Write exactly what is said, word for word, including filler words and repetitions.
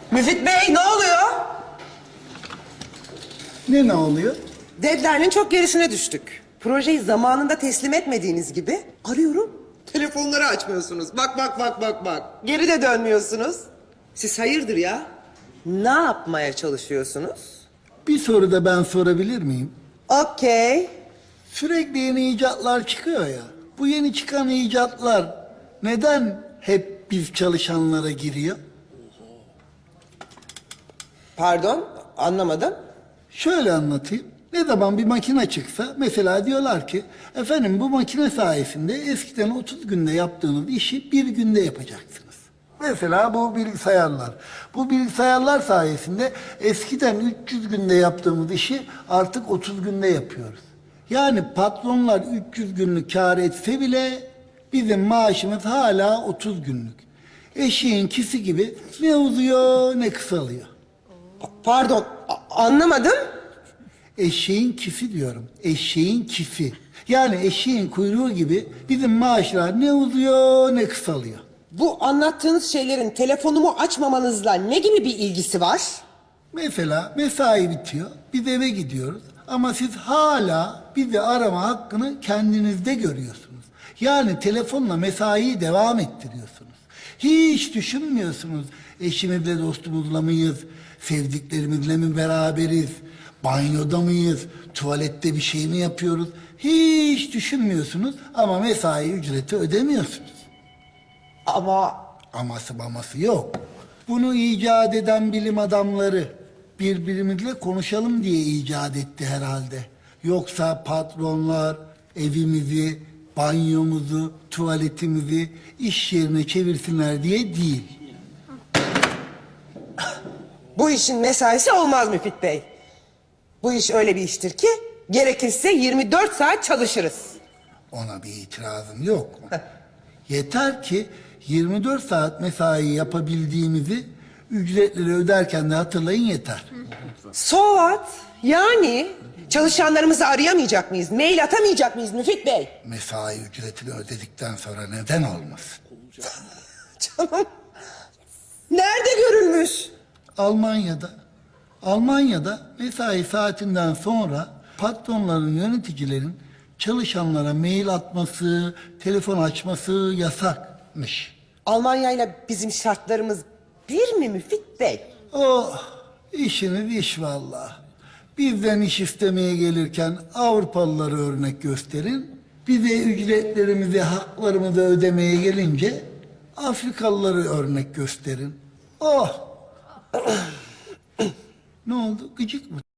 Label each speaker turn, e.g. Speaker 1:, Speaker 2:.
Speaker 1: Müfit Bey, ne oluyor?
Speaker 2: Ne ne oluyor?
Speaker 1: Deadline'ın çok gerisine düştük. Projeyi zamanında teslim etmediğiniz gibi arıyorum. Telefonları açmıyorsunuz. Bak bak bak bak bak. Geri de dönmüyorsunuz. Siz hayırdır ya? Ne yapmaya çalışıyorsunuz?
Speaker 2: Bir soru da ben sorabilir miyim?
Speaker 1: Okey.
Speaker 2: Sürekli yeni icatlar çıkıyor ya. Bu yeni çıkan icatlar neden hep biz çalışanlara giriyor?
Speaker 1: Pardon, anlamadım.
Speaker 2: Şöyle anlatayım. Ne zaman bir makine çıksa mesela diyorlar ki efendim bu makine sayesinde eskiden otuz günde yaptığınız işi bir günde yapacaksınız. Mesela bu bilgisayarlar. Bu bilgisayarlar sayesinde eskiden üç yüz günde yaptığımız işi artık otuz günde yapıyoruz. Yani patronlar üç yüz günlük kâr etse bile bizim maaşımız hala otuz günlük. Eşeğin kisi gibi ne uzuyor ne kısalıyor.
Speaker 1: Pa- Pardon, a- anlamadım.
Speaker 2: Eşeğin kifi diyorum. Eşeğin kifi. Yani eşeğin kuyruğu gibi bizim maaşlar ne uzuyor ne kısalıyor.
Speaker 1: Bu anlattığınız şeylerin telefonumu açmamanızla ne gibi bir ilgisi var?
Speaker 2: Mesela mesai bitiyor. Biz eve gidiyoruz. Ama siz hala bizi arama hakkını kendinizde görüyorsunuz. Yani telefonla mesaiyi devam ettiriyorsunuz. Hiç düşünmüyorsunuz. Eşimizle dostumuzla mıyız? Sevdiklerimizle mi beraberiz? Banyoda mıyız? Tuvalette bir şey mi yapıyoruz? Hiç düşünmüyorsunuz ama mesai ücreti ödemiyorsunuz.
Speaker 1: Ama
Speaker 2: Aması maması yok. Bunu icat eden bilim adamları birbirimizle konuşalım diye icat etti herhalde. Yoksa patronlar evimizi, banyomuzu, tuvaletimizi iş yerine çevirsinler diye değil.
Speaker 1: bu işin mesaisi olmaz Müfit Bey. Bu iş öyle bir iştir ki gerekirse yirmi dört saat çalışırız.
Speaker 2: Ona bir itirazım yok. Yeter ki yirmi dört saat mesai yapabildiğimizi ücretleri öderken de hatırlayın yeter.
Speaker 1: So what? Yani çalışanlarımızı arayamayacak mıyız? Mail atamayacak mıyız Müfit Bey?
Speaker 2: Mesai ücretini ödedikten sonra neden olmasın?
Speaker 1: Canım. Nerede görülmüş?
Speaker 2: Almanya'da. Almanya'da mesai saatinden sonra patronların, yöneticilerin çalışanlara mail atması, telefon açması yasakmış.
Speaker 1: Almanya ile bizim şartlarımız bir mi Müfit Bey?
Speaker 2: Oh, işiniz iş vallahi. Bizden iş istemeye gelirken Avrupalıları örnek gösterin. Bize ücretlerimizi, haklarımızı ödemeye gelince Afrikalıları örnek gösterin. Oh! Ne oldu? Gıcık mı?